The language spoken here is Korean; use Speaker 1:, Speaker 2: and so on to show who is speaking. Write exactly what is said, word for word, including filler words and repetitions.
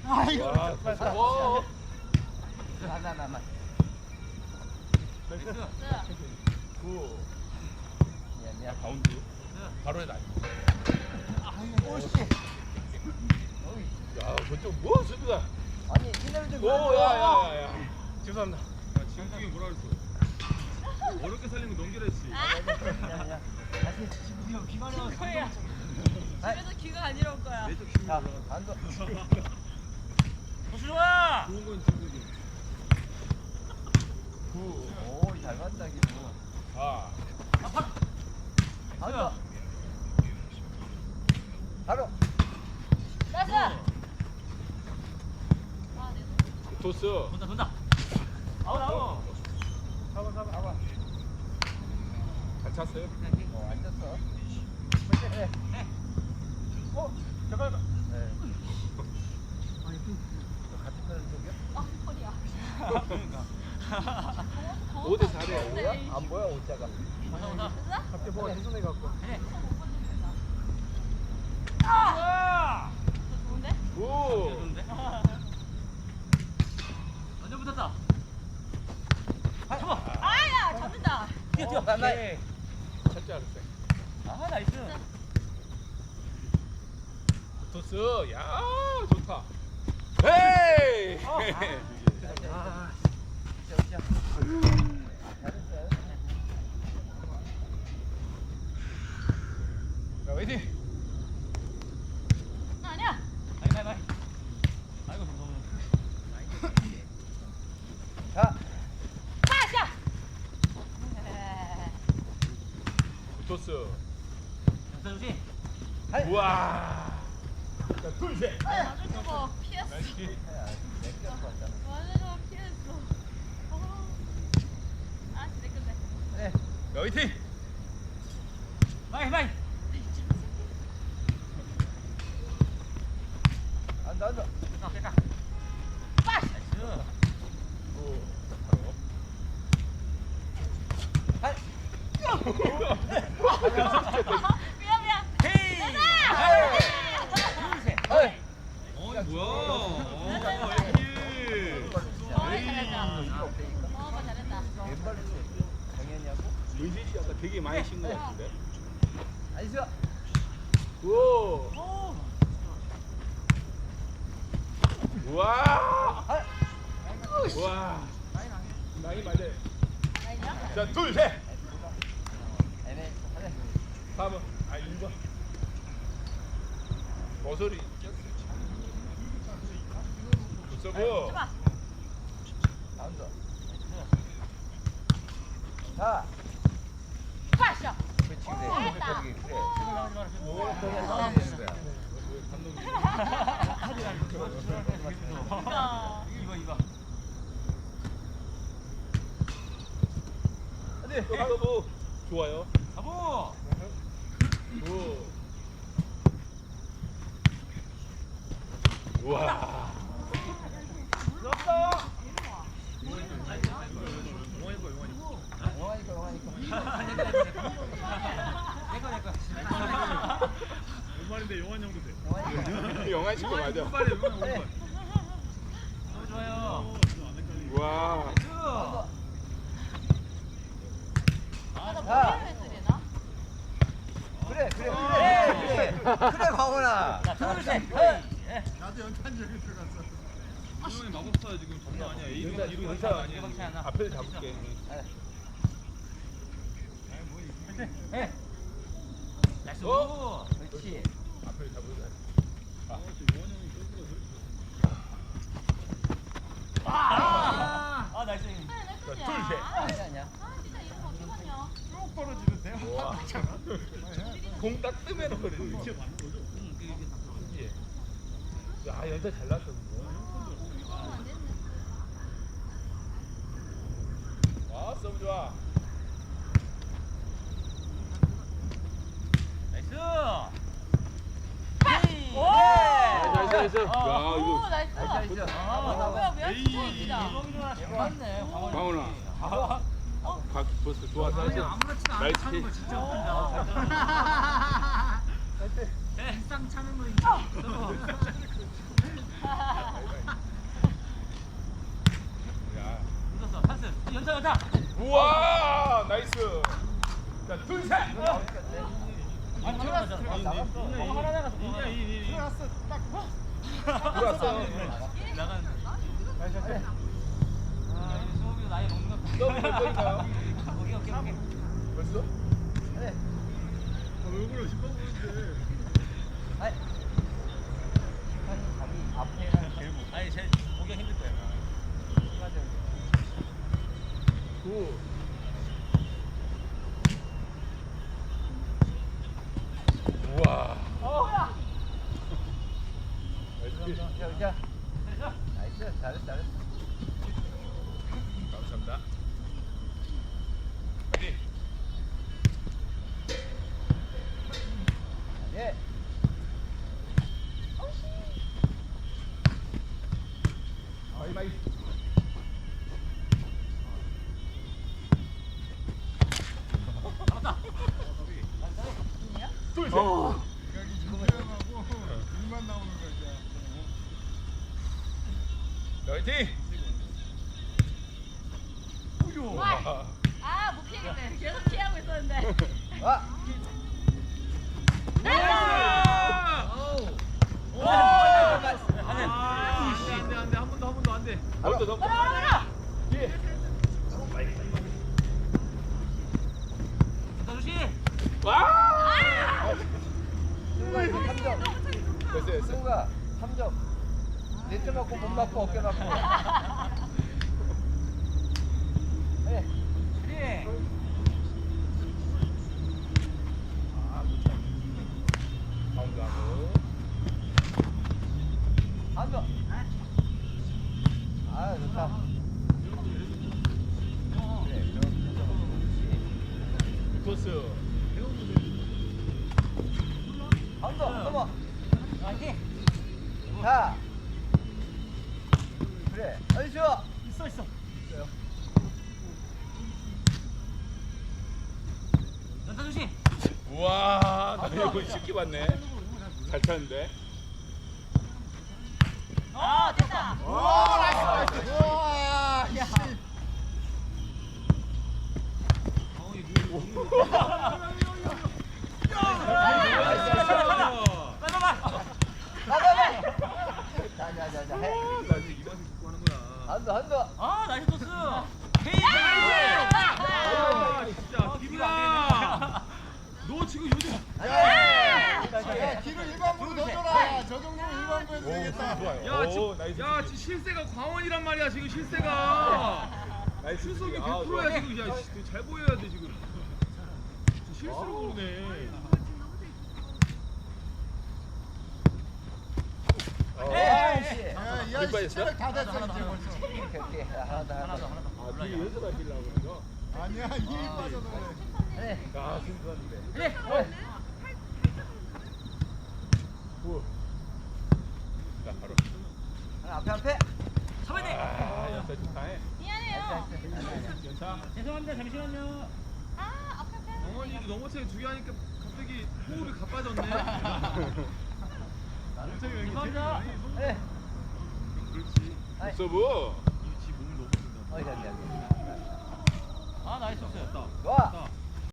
Speaker 1: 아이고.
Speaker 2: 와, 오.
Speaker 1: 나나나나.
Speaker 2: 구.
Speaker 1: 미안 미안.
Speaker 2: 가운데. 바로 해라.
Speaker 1: 오씨.
Speaker 2: 야, 저쪽 뭐 수비가?
Speaker 1: 아니 이날 좀.
Speaker 2: 오, 야, 야, 야. 죄송합니다.
Speaker 3: 야, 지금 중에 뭐라 그랬어? 어렵게 살리면 넘기라 했지.
Speaker 1: 아니야 아니야. 다시 지금 비가 내려서.
Speaker 4: 거야. 집에서 귀가 안 이럴 거야.
Speaker 3: 내적 힘이
Speaker 1: 자
Speaker 3: 올라가.
Speaker 1: 앉아.
Speaker 4: 좋아.
Speaker 3: 좋은 건 친구지.
Speaker 2: 구.
Speaker 1: 오잘 맞다 기분.
Speaker 2: 사.
Speaker 1: 앉아. 바로.
Speaker 4: 나이스. 아, 네.
Speaker 2: 토스.
Speaker 3: 돈다 돈다. 아웃 아웃.
Speaker 1: 잡아 잡아 잡아.
Speaker 2: 잘 찼어요?
Speaker 1: 어 앉았어. 네.
Speaker 3: 네.
Speaker 1: 어 잠깐만. 네. 아니 또 같은 편을 속여?
Speaker 4: 아, 허리야.
Speaker 2: 오 대 사 대.
Speaker 1: 뭐야? 안 보여 옷자가.
Speaker 3: 온다 온다.
Speaker 1: 갑자기 뭐가 두 손에 갖고.
Speaker 3: 해.
Speaker 4: 아! 좋은데?
Speaker 2: 오.
Speaker 3: 좋은데? 완전 붙었다. 잡아.
Speaker 4: 아야, 잡는다.
Speaker 3: 뛰어 뛰어.
Speaker 1: 나, 나.
Speaker 2: 찼지 않았어요?
Speaker 3: 아 나이스.
Speaker 2: 토스. 야, 좋다. 헤이.
Speaker 1: 아, 진짜 진짜. 잘했어요.
Speaker 2: 자, 화이팅.
Speaker 4: 아니야.
Speaker 3: 바이 바이 바이. 아이고 너무.
Speaker 1: 자,
Speaker 4: 파샤.
Speaker 2: 토스.
Speaker 3: 연사조지.
Speaker 1: 하이.
Speaker 2: 우와. 자, 둘, 셋.
Speaker 4: 맞을 저거 피했어.
Speaker 2: 나이스.
Speaker 1: 내껴 왔잖아.
Speaker 4: 맞을 저거 피했어. 어. 아, 내 건데.
Speaker 1: 네.
Speaker 2: 자, 화이팅.
Speaker 3: 바이 바이.
Speaker 1: 앉아 앉아.
Speaker 3: 자 뺄까.
Speaker 4: 파샤.
Speaker 3: 나이스.
Speaker 2: 구. 바로.
Speaker 1: 하이.
Speaker 4: 미안 미안.
Speaker 3: 헤이.
Speaker 4: 가자.
Speaker 3: 둘 셋.
Speaker 1: 하이.
Speaker 3: 어이 뭐야? 어,
Speaker 4: 잘했다.
Speaker 3: 에이.
Speaker 4: 어이, 잘했다.
Speaker 1: 이거 없다니까.
Speaker 4: 어, 잘했다.
Speaker 1: 왼발로 치. 정현이하고.
Speaker 2: 문신 씨 아까 되게 많이 신것 같은데.
Speaker 1: 나이스.
Speaker 2: 오.
Speaker 3: 오.
Speaker 2: 우와.
Speaker 1: 하이.
Speaker 2: 우와. 나이 맞아요.
Speaker 4: 아니야?
Speaker 2: 자, 둘, 셋.
Speaker 1: 애매. 하네.
Speaker 2: 삼 번. 아, 일 번. 버섯이. 굿서브.
Speaker 4: 잡아.
Speaker 1: 앉아. 자.
Speaker 4: 파샤.
Speaker 1: 그렇지 그래.
Speaker 4: 잘했다.
Speaker 1: 그래. 그래.
Speaker 3: 오.
Speaker 1: 그래. 싸워야 되는 거야.
Speaker 4: 그러니까.
Speaker 3: 이거 이거.
Speaker 1: 안돼.
Speaker 2: 서브. 좋아요.
Speaker 3: 가보.
Speaker 2: 오. 우와.
Speaker 1: 좋다.
Speaker 3: 용환이 거 용환이 거.
Speaker 1: 영화니까 영화니까.
Speaker 3: 내거 내거.
Speaker 5: 오만인데 용환 형도 돼.
Speaker 1: 영화니까.
Speaker 2: 영화 친구 맞아.
Speaker 3: 빨리 용환
Speaker 1: 네.
Speaker 3: 용환. 너무 좋아요.
Speaker 2: 우와.
Speaker 3: 나이스.
Speaker 4: 아, 나
Speaker 1: 자.
Speaker 4: 머리를 했으려나?
Speaker 1: 그래 그래 그래 그래. 그래 광훈아.
Speaker 3: 자, 둘 셋. 헤이. 예.
Speaker 5: 나도 연탄 여기 들어갔어.
Speaker 3: 형이 마법사야 지금 장난 아니야.
Speaker 2: 의사,
Speaker 3: 이름 이름
Speaker 2: 의사
Speaker 3: 의사 아니야.
Speaker 2: 아니야. 앞에를 잡을게.
Speaker 3: 예. 나이스.
Speaker 2: 어?
Speaker 1: 그렇지.
Speaker 2: 앞에를 잡을게.
Speaker 3: 아. 아 나이스.
Speaker 4: 아, 내 거냐?
Speaker 2: 둘, 셋.
Speaker 1: 아니 아니야.
Speaker 4: 아, 진짜 이거 어떻게 하냐?
Speaker 5: 쭉 떨어지는데요?
Speaker 2: 우와. 공 딱 뜨면 그래.
Speaker 5: 이렇게 맞는 거죠?
Speaker 3: 응, 그 이게 다 들어가.
Speaker 2: 그치? 야, 연타 잘 났어.
Speaker 4: 이거 안 됐네.
Speaker 2: 아, 서브 좋아.
Speaker 3: 나이스. 헤이.
Speaker 4: 오!
Speaker 2: 나이스, 나이스, 나이스. 야,
Speaker 3: 아.
Speaker 4: 오,
Speaker 2: 이거.
Speaker 4: 나이스.
Speaker 1: 나이스 나이스.
Speaker 3: 아,
Speaker 4: 어, 뭐야, 뭐야?
Speaker 5: 에이.
Speaker 4: 진짜.
Speaker 3: 이범이랑 잘 맞네. 광훈이.
Speaker 2: 광훈아.
Speaker 3: 아.
Speaker 2: 각 벌써 좋아서
Speaker 3: 아니
Speaker 2: 하지.
Speaker 3: 아무렇지도 않게
Speaker 2: 나이스
Speaker 3: 차는 거
Speaker 2: 킥.
Speaker 3: 진짜 웃긴다. 네, 쌍 차는 거 있죠.
Speaker 1: 나갔어.
Speaker 3: 공 하나 나갔어. 인이야 인 인.
Speaker 5: 들어갔어. 딱.
Speaker 2: 들어왔어.
Speaker 3: 나간.
Speaker 1: 그래.
Speaker 3: 아 이제 수업이 나이 먹는 것.
Speaker 2: 너무 몇 번인가요?
Speaker 3: 오케이 오케이 오케이.
Speaker 2: 벌써?
Speaker 1: 그래.
Speaker 5: 왜 그래? 십번 보는데.
Speaker 1: 아이. 자기 앞에랑 결국.
Speaker 3: 아니 제일 보기가 힘들 거야.
Speaker 2: 구. 우와.
Speaker 1: 자, 자. 나이스. 잘했어, 잘했어.
Speaker 2: 감사합니다.
Speaker 1: 예.
Speaker 2: 바이바이. 둘, 셋.
Speaker 1: 어.
Speaker 5: 여기 조명하고 눈만 나오는 거야.
Speaker 2: 화이팅!
Speaker 4: 와. 아, 못 피하겠네. 계속 피하고 있었는데.
Speaker 1: 와.
Speaker 3: 안돼 안돼 한 번 더 한 번 더 안돼.
Speaker 2: 넘어, 넘어. 예.
Speaker 3: 조심.
Speaker 2: 와!
Speaker 1: 승우가 이제 삼 점.
Speaker 2: 됐어, 됐어.
Speaker 1: 승우가 삼 점. 네트 맞고 못 맞고 어깨 맞고. 그래.
Speaker 3: 그래.
Speaker 2: 가운데 하고.
Speaker 1: 한 점. 아, 좋다. 그래, 그럼
Speaker 2: 코스.
Speaker 1: 한 점, 넘어.
Speaker 3: 화이팅.
Speaker 1: 자. 그래. 어이 좋아.
Speaker 3: 있어 있어.
Speaker 1: 있어요.
Speaker 3: 연타 조심.
Speaker 2: 우와, 나 이거 쉽게 봤네. 잘 쳤는데.
Speaker 4: 어, 됐다.
Speaker 5: 와, 나이스, 나이스. 와, 야.
Speaker 1: 나가. 자, 자, 자, 자. 해.
Speaker 3: 나 이제 이 맛에 듣고 하는 거야.
Speaker 1: 한 점, 한 점.
Speaker 3: 아 나이스 토스. 헤이. 아 진짜 기분아. 너 지금 요즘.
Speaker 5: 야, 뒤로 일반부로 넣어줘라. 저 정도면 일반부에서
Speaker 2: 오,
Speaker 5: 되겠다.
Speaker 2: 좋아요.
Speaker 3: 야
Speaker 2: 오,
Speaker 3: 지금
Speaker 2: 나이스.
Speaker 3: 야 지금 실세가 광원이란 말이야 지금 실세가.
Speaker 2: 나이스.
Speaker 3: 출석이
Speaker 2: 아,
Speaker 3: 백
Speaker 2: 좋아.
Speaker 3: 퍼센트야 지금. 야 씨, 잘 보여야 돼 지금. 지금 실수로 모르네.
Speaker 2: 어.
Speaker 1: 에이씨.
Speaker 5: 야, 이
Speaker 2: 몇
Speaker 5: 아이
Speaker 2: 번이었어?
Speaker 5: 시체를 다 됐어, 이제 벌써.
Speaker 1: 오케이, 오케이. 하나 더, 하나 더.
Speaker 2: 아, 뒤에 연습하시려고 그런 거?
Speaker 5: 아니야, 힘이 빠져서 그래.
Speaker 1: 그래.
Speaker 2: 아, 신기한데.
Speaker 3: 그래.
Speaker 1: 그래.
Speaker 2: 구. 자, 바로.
Speaker 1: 하나 앞에, 앞에.
Speaker 3: 잡아야 돼.
Speaker 2: 아, 연타 좋다. 해.
Speaker 4: 미안해요.
Speaker 2: 연타.
Speaker 3: 죄송합니다. 잠시만요.
Speaker 4: 아, 앞에 앞에.
Speaker 3: 광원이 너머체 두개 하니까 갑자기 호흡이 가빠졌네. 죄송합니다.
Speaker 1: 그래.
Speaker 3: 그렇지.
Speaker 1: 아이.
Speaker 2: 서브.
Speaker 3: 지 몸을 너무 쓴다.
Speaker 1: 어이, 저기, 저기.
Speaker 3: 아 나이스. 됐다.
Speaker 1: 좋아.